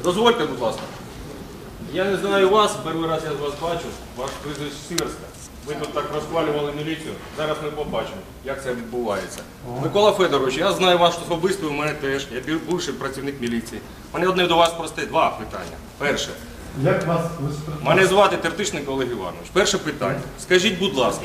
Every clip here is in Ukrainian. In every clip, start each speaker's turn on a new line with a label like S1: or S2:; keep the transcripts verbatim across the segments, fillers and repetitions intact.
S1: Дозвольте, будь ласка. Я не знаю вас, перший раз я з вас бачу, ваш прізвище Сіверська. Ви тут так розхвалювали міліцію, зараз ми побачимо, як це відбувається. Микола Федорович, я знаю вас особисто, у мене теж, я бувший працівник міліції. У мене одне до вас просте, два питання. Перше.
S2: Як вас?
S1: Мене звати Тертишник Олег Іванович. Перше питання. Скажіть, будь ласка.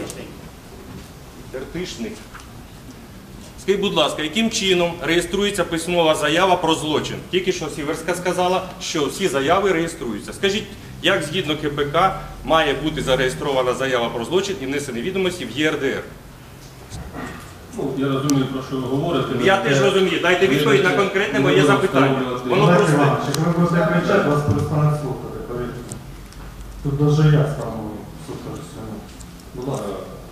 S1: Тертишник. Скажіть, будь ласка, яким чином реєструється письмова заява про злочин? Тільки що Сіверська сказала, що всі заяви реєструються. Скажіть, як згідно ка пе ка має бути зареєстрована заява про злочин і внесені відомості в є ер де ер?
S3: Ну, я розумію, про що ви говорите.
S1: Я теж розумію. Дайте відповідь на конкретне моє запитання. Воно
S2: Олег
S1: просте.
S2: Іванович, якщо ви будете кричати, вас перестануть слухати, повірте. Тут навіть я стану слухати сьогодні.
S3: Будь ласка,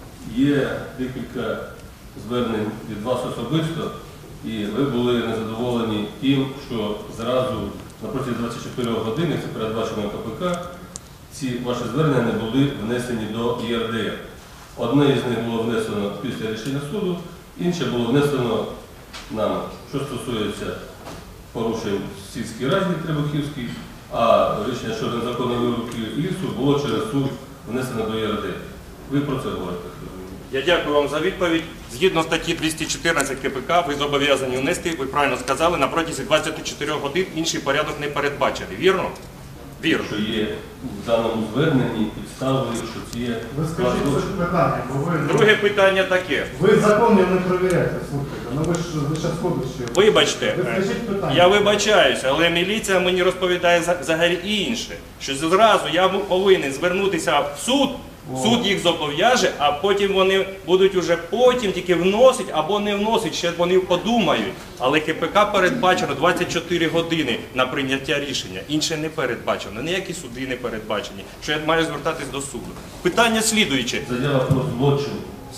S3: є декілька звернень від вас особисто, і ви були незадоволені тим, що зразу на протязі двадцяти чотирьох годин, як це передбачено ка пе ка, ці ваші звернення не були внесені до є ер де ер. Одне із них було внесено після рішення суду, інше було внесено нам, що стосується порушень в сільській раді Требухівській, а рішення щодо незаконної вирубки лісу було через суд внесено до є ер де ер. Ви про це говорите?
S1: Я дякую вам за відповідь. Згідно статті двісті чотирнадцять ка пе ка, ви зобов'язані внести, ви правильно сказали, на протязі двадцяти чотирьох годин інший порядок не передбачений. Вірно? Вірно.
S3: Що є в даному зверненні підстави, що це є...
S2: Ви скажіть це питання, бо ви...
S1: Друге питання таке.
S2: Ви законів не перевіряєте, слухайте. Ну ви ж ви зараз ходите.
S1: Вибачте,
S2: Ви скажіть питання.
S1: я вибачаюся, але міліція мені розповідає за- взагалі інше. Що зразу я повинен звернутися в суд, суд їх зобов'яже, а потім вони будуть уже потім тільки вносити або не вносити, ще вони подумають. Але ка пе ка передбачено двадцять чотири години на прийняття рішення. Інше не передбачено, ніякі суди не передбачені, що я маю звертатись до суду. Питання слідуюче.
S3: Заява про злочин.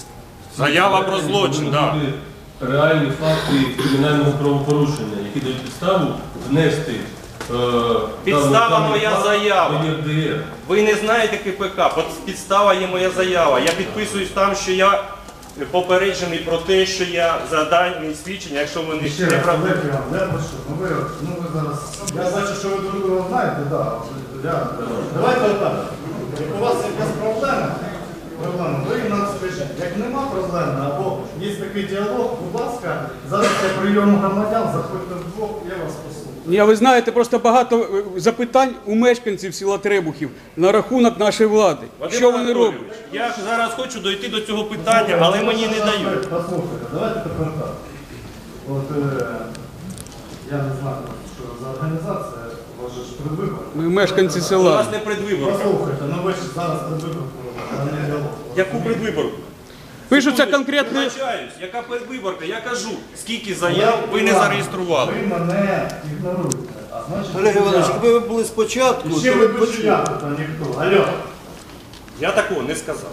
S1: Заява про злочин, так.
S3: Реальні факти кримінального правопорушення, які дають підставу внести е,
S1: Підстава
S3: дану-
S1: моя
S3: даний
S1: заява.
S3: факт до є ер де ер.
S1: Ви не знаєте ка пе ка, підстава є моя заява. Я підписуюсь там, що я попереджений про те, що я за дані свідчення, якщо вони
S2: Ще
S1: не
S2: раз,
S1: правдиві.
S2: Олег Іванович, я прошу, ну ви, ну ви зараз... Я бачу, що ви друг друга знаєте, так. Да. Давайте отак. Як у вас якась проблема, проблема, ви нам скажіть. Як нема проблеми, або є такий діалог, будь ласка, зараз я прийому громадян, заходьте вдвох, я вас послухаю.
S4: Ні, а ви знаєте, просто багато е, запитань у мешканців села Требухів на рахунок нашої влади.
S1: Вадим
S4: Що вони
S1: Анатолійович,
S4: роблять?
S1: Я зараз хочу дойти до цього питання, але мені не дають.
S2: Послухайте, давайте тепер так. От, е, я не знаю, що за організація, у вас же ж предвибори.
S4: Ми мешканці
S1: У
S4: села.
S1: нас не предвиборка.
S2: Послухайте, ну ви ж зараз предвиборку, а не діалог.
S1: Яку предвиборку?
S4: Пишуться
S1: Секундочку,
S4: конкретні...
S1: вибачаюсь, яка предвиборка? Я кажу, скільки заяв ви не зареєстрували.
S2: Ви мене ігноруєте. А значить,
S5: Олег Іванович,
S2: я-
S5: якби ви були спочатку,
S2: І ще
S5: то
S2: ви
S5: ви б
S2: більше
S5: почули.
S2: я тут, а ніхто. Алло.
S1: Я такого не сказав.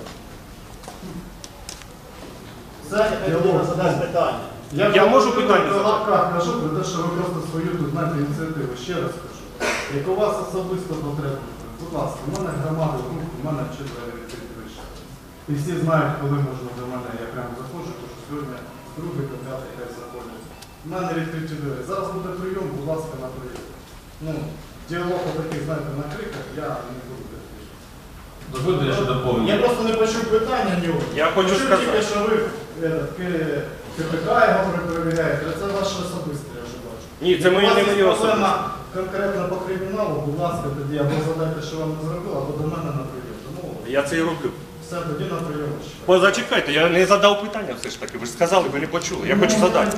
S2: Це діалог.
S5: Задасть питання.
S1: Я можу питання
S2: задати?
S1: задати?
S2: Я кажу, про те, що ви просто свою тут знаєте ініціативу. Ще раз кажу. Як у вас особисто потреба, будь ласка, у мене громада рук, у мене четверо відкриті вище. І всі знають, коли можна до мене, я прямо заходжу, тому що сьогодні з другої до п'ятої хай заходять. У мене відкриті двері. Зараз буде прийом, будь ласка, на прийом. Ну, діалог такий, знаєте, на криках, я не буду такий.
S3: Дозвольте, я ще доповню.
S2: Я просто не почув питання нього.
S1: Я хочу
S2: Почув
S1: сказати.
S2: тільки, що ви е, К- ка пе ка його перевіряєте, це ваше особисте, я вже бачу.
S1: Ні, це мої не мої
S2: проблема
S1: особисті.
S2: конкретно по криміналу, будь ласка, тоді або задайте, що вам не зробили, або до мене на прийом. Тому
S1: Я це і роблю.
S2: все, тоді на прийом.
S1: Позачекайте, я не задав питання все ж таки. Ви ж сказали, ви не почули. Я хочу задати.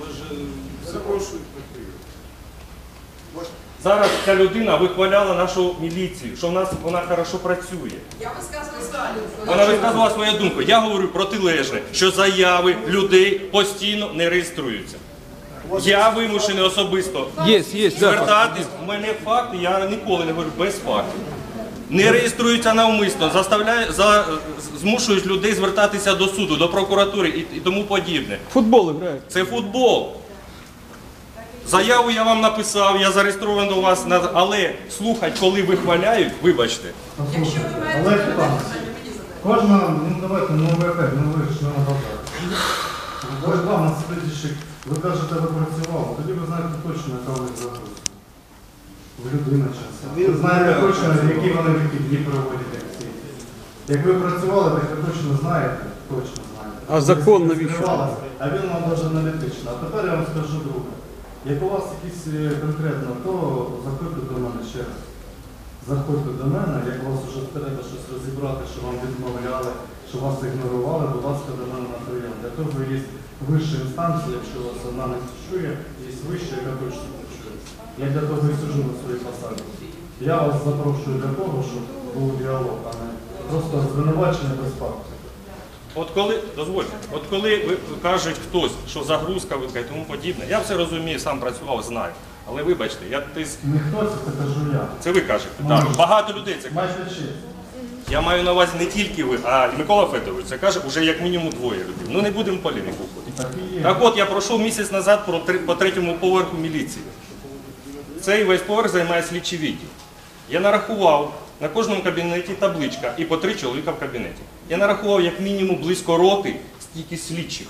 S1: Зараз ця людина вихваляла нашу міліцію, що в нас вона хорошо працює.
S6: Я висказую свою.
S1: Вона висказувала свою думку. Я говорю протилежне, що заяви людей постійно не реєструються. Я вимушений особисто
S4: Є, є, да.
S1: звертатись. У мене факти, я ніколи не говорю без фактів. Не реєструються навмисно, заставляють, за, змушують людей звертатися до суду, до прокуратури і, і тому подібне.
S4: Футбол грають.
S1: Це футбол. Заяву я вам написав, я зареєстрований до вас, на- але слухать, коли вихваляють, вибачте.
S6: Якщо ви маєте
S2: Олег
S6: питання,
S2: Іванович,
S6: мені задайте.
S2: кожна, ну давайте, ну ви опять, ну ви ж не адвокат. Ви ж вам на слідчик, ви кажете, ви працювали, тоді ви знаєте точно, яка ви заходите. Ви людина часу. Ви знаєте точно, які вони вихідні проводять, як всі. Як ви працювали, так ви точно знаєте, точно знаєте.
S4: А закон
S2: Ви
S4: навіщо?
S2: скривалися, А він вам дуже аналітично. А тепер я вам скажу друге. Як у вас якісь е, конкретно, то заходьте до мене ще раз. Заходьте до мене, як у вас вже треба щось розібрати, що вам відмовляли, що вас ігнорували, будь ласка, до мене на прийом. Для того є вища інстанція, якщо вас одна не чує, є вища, яка точно не чує. Я для того і сиджу на своїй посаді. Я вас запрошую для того, щоб був діалог, а не просто звинувачення без фактів.
S1: От коли, дозвольте, от коли ви кажуть хтось, що загрузка велика і тому подібне, я все розумію, сам працював, знаю. Але вибачте, я тиск.
S2: Не хтось, це кажу я.
S1: Це ви кажете.
S2: Може.
S1: Так, багато людей це кажуть.
S2: Майже честь.
S1: Я маю на увазі не тільки ви, а і Микола Федорович. Це каже вже як мінімум двоє людей. Ну не будемо в полеміку входити.
S2: Так і є.
S1: Так от я пройшов місяць назад про три- по третьому поверху міліції. Цей весь поверх займає слідчий відділ. Я нарахував на кожному кабінеті табличка і по три чоловіка в кабінеті. Я нарахував як мінімум близько роти стільки слідчих.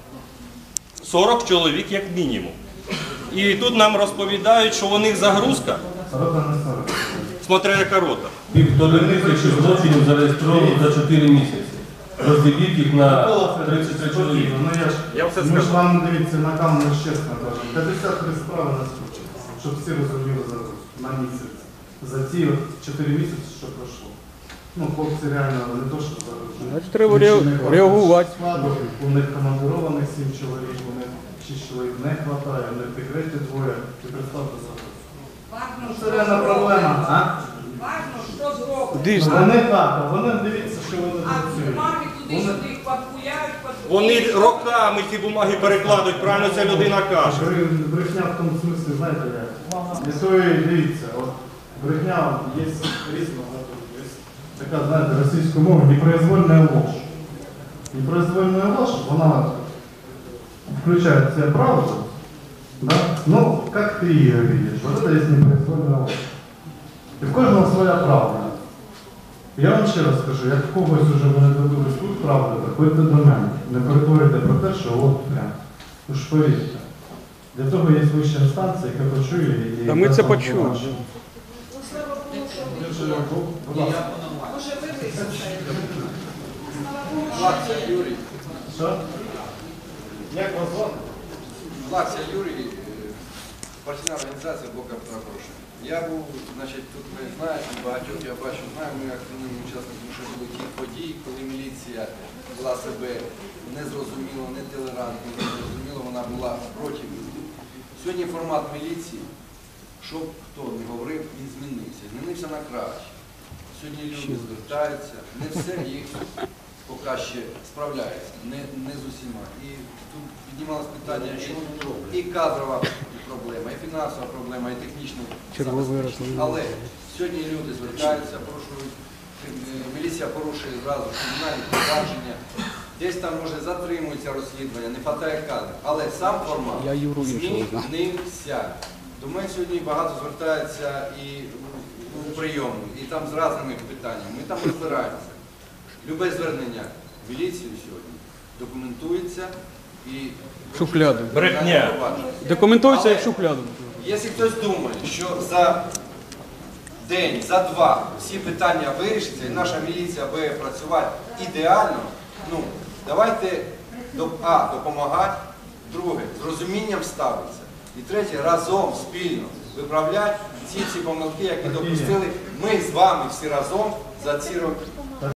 S1: сорок чоловік як мінімум. І тут нам розповідають, що у них загрузка,
S2: Рота не сорок.
S1: смотря яка рота.
S3: Півтори тисячі злочинів зареєстровано за чотири місяці. Розділіть їх на тридцять три чоловіка.
S2: Ну, я ж,
S1: Я все
S2: ми ж
S1: скажу.
S2: вам, дивіться, на камеру чесно кажемо. п'ятдесят три справи на скучі, щоб всі розуміли зараз на місяць. За ці от чотири місяці, що пройшло. Ну, хлопці реально не то, що зараз.
S4: Значить, треба ре- реагувати.
S2: Складу, у них командированих сім чоловік, у них шість чоловік не вистачає, у них секреті двоє. І представте зараз. Ну, це реальна проблема. А?
S6: Важно, що зроблено.
S4: Дійсно.
S2: Вони так, а вони дивіться, що вони
S6: А
S2: працюють.
S6: бумаги
S2: Вони-
S6: туди-сюди подпуляють, подпуляють.
S1: Вони роками ці бумаги перекладуть, правильно ця людина каже.
S2: Бре- Брехня в тому смислі, знаєте, як? І то і дивіться, от брехня є різна, є така, знаєте, російською мовою, непроизвольна ложь. Непроизвольна ложь, вона включает в себя правду, да? Но как ты ее видишь, вот это есть непроизвольная ложь. І в кожного своя правда. Я вам ще раз скажу, як в когось вже вони добились тут правди, приходьте до мене. Не перетворюйте про те, що от прям. Ну ж повірте. Для того є вища інстанція, яка почує і...
S4: Та ми
S2: яка
S4: це
S2: там
S4: почули.
S2: побачить.
S6: Ну, слава Богу, що ви.
S2: Ви ж, будь ласка.
S6: Може, ви висохаєте. Слава Богу, що
S5: Лакся
S6: ви.
S5: Юрій.
S2: Що? Як вас звати?
S5: Лакся Юрій, е, партійна організація Блока Петра. Я був, значить, тут ви знаєте, багатьох я бачу, знаю, ми активними учасниками, що були ті події, коли міліція вела себе незрозуміло, нетолерантно, незрозуміло, вона була проти людей. Сьогодні формат міліції, щоб хто не говорив, він змінився. Змінився на краще. Сьогодні люди звертаються, не все їх поки ще справляється, не, не з усіма. І тут піднімалось питання, що і кадрова проблема, і фінансова проблема, і технічна забезпечення. Але сьогодні люди звертаються, порушують, е, міліція порушує зразу кримінальні провадження, десь там, може, затримується розслідування, не хватає кадрів. Але сам формат
S4: Я Юру іншого знаю.
S5: змінився. До мене сьогодні багато звертаються і у прийому, і там з різними питаннями. Ми там розбираємося. Любе звернення в міліцію сьогодні документується і
S4: Шухляду.
S1: Брехня.
S4: Документується як шухляду.
S5: Якщо хтось думає, що за день, за два всі питання вирішаться і наша міліція буде працювати ідеально, ну, давайте до- а, допомагати, друге, з розумінням ставитися, і третє, разом, спільно виправляти ці всі помилки, які допустили ми з вами всі разом за ці роки.